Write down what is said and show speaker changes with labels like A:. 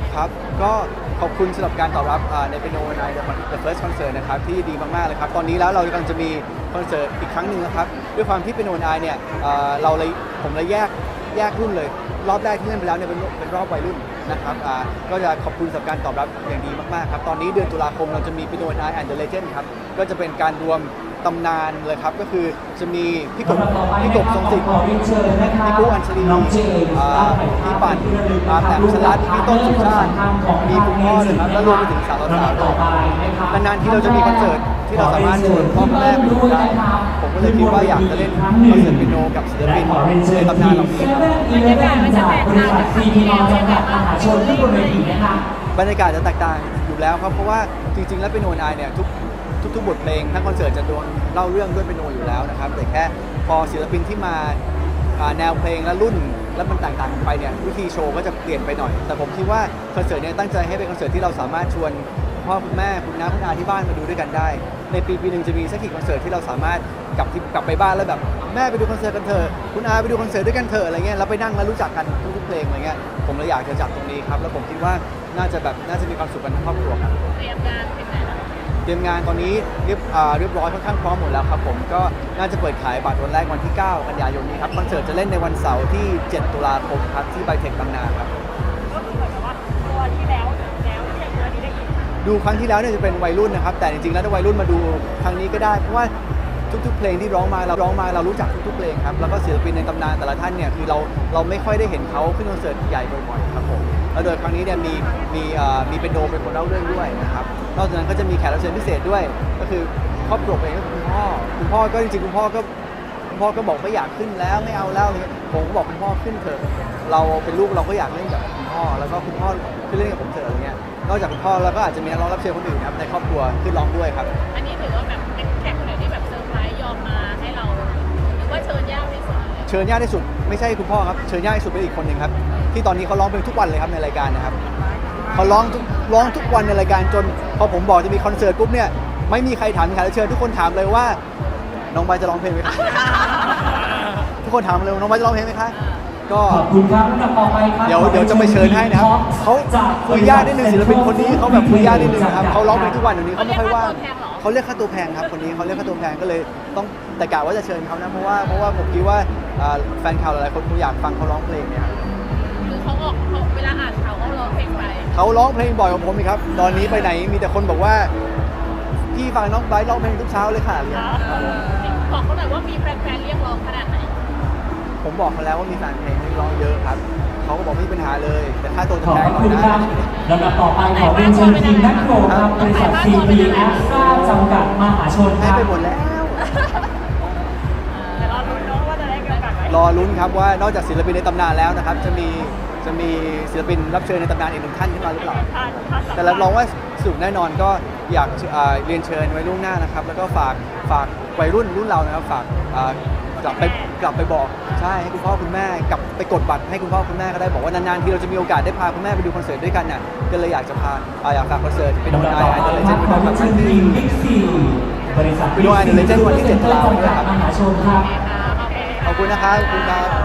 A: ครับก็ขอบคุณสำหรับการตอบรับในเปียโนใน The First Concert นะครับที่ดีมากๆเลยครับตอนนี้แล้วเรากำลังจะมีคอนเสิร์ตอีกครั้งหนึ่งนะครับด้วยความที่เปียโนเนี่ยผมเลยแยกรุ่นเลยรอบแรกที่เล่นไปแล้วเนี่ยเป็นรอบวัยรุ่นนะครับก็จะขอบคุณสำหรับการตอบรับอย่างดีมากๆครับตอนนี้เดือนตุลาคมเราจะมีเปียโนand the Legend ครับก็จะเป็นการรวมตำนานเลยครับก็คือจะมีพี่กบทรงศิษย์พี่ปูอัญชลีพี่ปั่นแหลมสลัดพี่ต้นสุชาติมีคุณพ่อเลยครับแล้วรวมไปถึงสาวๆด้วยนานๆที่เราจะมีคอนเสิร์ตที่เราสามารถชวนพ่อแม่ไปดูได้ผมก็เลยคิดว่าอยากจะเล่นคอนเสิร์ตเปียโนกับศิลปินในตำนานเหล่านี้บรรยากาศจะแตกต่างอยู่แล้วครับเพราะว่าจริงๆแล้วเปียโนเนี่ยทุกบทเพลงทั้งคอนเสิร์ตจะโดนเล่าเรื่องด้วยเปียโนอยู่แล้วนะครับแต่แค่พอศิลปินที่มาแนวเพลงและรุ่นแล้วมันต่างๆกันไปเนี่ยวิธีโชว์ก็จะเปลี่ยนไปหน่อยแต่ผมคิดว่าคอนเสิร์ตเนี่ยตั้งใจให้เป็นคอนเสิร์ตที่เราสามารถชวนพ่อคุณแม่คุณน้าคุณอาที่บ้านมาดูด้วยกันได้ในปีหนึ่งจะมีสักกี่คอนเสิร์ตที่เราสามารถกลับไปบ้านแล้วแบบแม่ไปดูคอนเสิร์ตกันเถอะคุณอาไปดูคอนเสิร์ตด้วยกันเถอะอะไรเงี้ยแล้วไปนั่งแล้วรู้จักกันทุกเพลงอะไรเงี้ยผมเลยอยากจะจัดตรงนี้ครับแล้วผมคิดว่าน่าจะมีความสุขกันทั้งครอบครัวครับเตรียมงานตอนนี้เรียบร้อยค่อนข้างพร้อมหมดแล้วครับผมก็น่าจะเปิดขายบัตรวันแรกวันที่ 9 กันยายนนี้ครับคอนเสิร์ตจะเล่นในวันเสาร์ที่ 7 ตุลาคมครับที่ไบเทคบางนาครับ
B: ก็คือเหมือนกับว่าตัวที่แล้วที่ยังตัวนี้ได้ยิน
A: ดูครั้งที่แล้วเนี่ยจะเป็นวัยรุ่นนะครับแต่จริงๆแล้วถ้าวัยรุ่นมาดูครั้งนี้ก็ได้เพราะว่าทุกๆเพลงที่ร้องมาเรารู้จักทุกๆเพลงครับแล้วก็ศิลปินในตำนานแต่ละท่านเนี่ยคือเราไม่ค่อยได้เห็นเขาขึ้นคอนเสิร์ตใหญ่บ่อยๆครับผมแล้วโดยครั้งนี้เนี่ยมีเป็นโดมเป็นคนเล่าเรื่องด้วยนะครับนอกจากนั้นก็จะมีแขกรับเชิญพิเศษด้วยก็คือครอบครัวเองก็คือคุณพ่อก็จริงๆคุณพ่อก็บอกไม่อยากขึ้นแล้วไม่เอาแล้วผมก็บอกคุณพ่อขึ้นเถอะเราเป็นลูกเราก็อยากเล่นกับคุณพ่อแล้วก็คุณพ่อขึ้นเล่นกับผมเถอะอะไรเงี้ยนอกจากคุณพ่อแล้วก็อาจจะมีนักร้องรับเชิญคนอื่นครับในครอบครัวขึ้นร้องด้วยครับ
B: อันนี้ถือว่าแบบแขกคนอื่นที่แบบเซอร์ไพรส์ยอมมาให้เราหรือว่าเชิญยากที่สุด
A: เชิญยากที่สุดไม่ใช่คุณพ่อครับเชิญยากที่สุดเป็นอีกคนหนึ่งครับที่ตอนนี้เขาร้องเพลงทุกวันเลยครับในรายการนะครับเขาร้องทุกวันในรายการจนพอผมบอกจะมีคอนเสิร์ตปุ๊บเนี่ยไม่มีใครถามแขกรับเชิญทุกคนถามเลยว่าน้องใบจะร้องเพลงไหมคะทุกคนถามเลยน้องใบจะร้องเพลงไหมคะก็
C: ขอบคุณครับลำดับต่อไปครับ
A: เดี๋ยวจะไปเชิญให้นะครับเขาคุยยากนิดนึงศิลปินคนนี้เขาแบบคุยยากนิดนึงนะครับเขาร้องเพลงทุกวันเดี๋ยวนี้เขาไม่ค่อยว่างเขาเรียกค่าตัวแพงครับคนนี้เขาเรียกค่าตัวแพงก็เลยต้องแต่กะว่าจะเชิญเขานะเพราะว่าผมคิดว่าแฟนข่าวหลายๆคนคงอยากฟังเขาร้องเพลงเนี่ย
B: คือเขาเวลาอ่านข่าวเขาร้องเพลงไป
A: เขาร้องเพลงบ่อยกว่าผมอีกครับตอนนี้ไปไหนมีแต่คนบอกว่าพี่ฟังน้องไบร์ทร้องเพลงทุกเช้าเลยค่ะ
B: บอกเขาหน่อยว่ามีแฟนๆเรียกร้องขนาดไหน
A: ผมบอกเขาแล้วว่ามีแฟนเพลงเรียกร้องเยอะครับเขาก็บอกไม่มีปัญหาเลยแต่ค่าตัวจะแพงหน่อยนะ
C: ลำดับต่อไปขอเป็นเชิญทีมนักโขนครับบริษัท CP Extra จำกัดมหาชน
A: ให้ไปหมดแล้ว
B: แต่รอลุ้นเนาะว่าจะได้กันไหม
A: รอลุ้นครับว่านอกจากศิลปินในตำนานแล้วนะครับจะมีศิลปินรับเชิญในตำนานอีกหนึ่งท่านขึ้นมาหรือเปล่าแต่รับรองว่าสนุกแน่นอนก็อยากเรียนเชิญไว้ล่วงหน้านะครับแล้วก็ฝากวัยรุ่นเรานะครับฝากกลับไปบอกใช่ให้คุณพ่อคุณแม่กลับไปกดบัตรให้คุณพ่อคุณแม่ก็ได้บอกว่านานๆที่เราจะมีโอกาสได้พาคุณแม่ไปดูคอนเสิร์ตด้วยกันเนี่ยก็เลยอยากจะอยากฝากคอนเสิร์ตเป็นโนนไอเดอร์เลเจนด์วันที่7 ตุลาคมด้วยครับ
C: บริษัท
A: ไปดูไอเดอร์เลเจนด์วันที่7 ตุลาคมด้วยครับ
C: มหาชนครับ
A: ขอบคุณนะครับขอบคุณครับ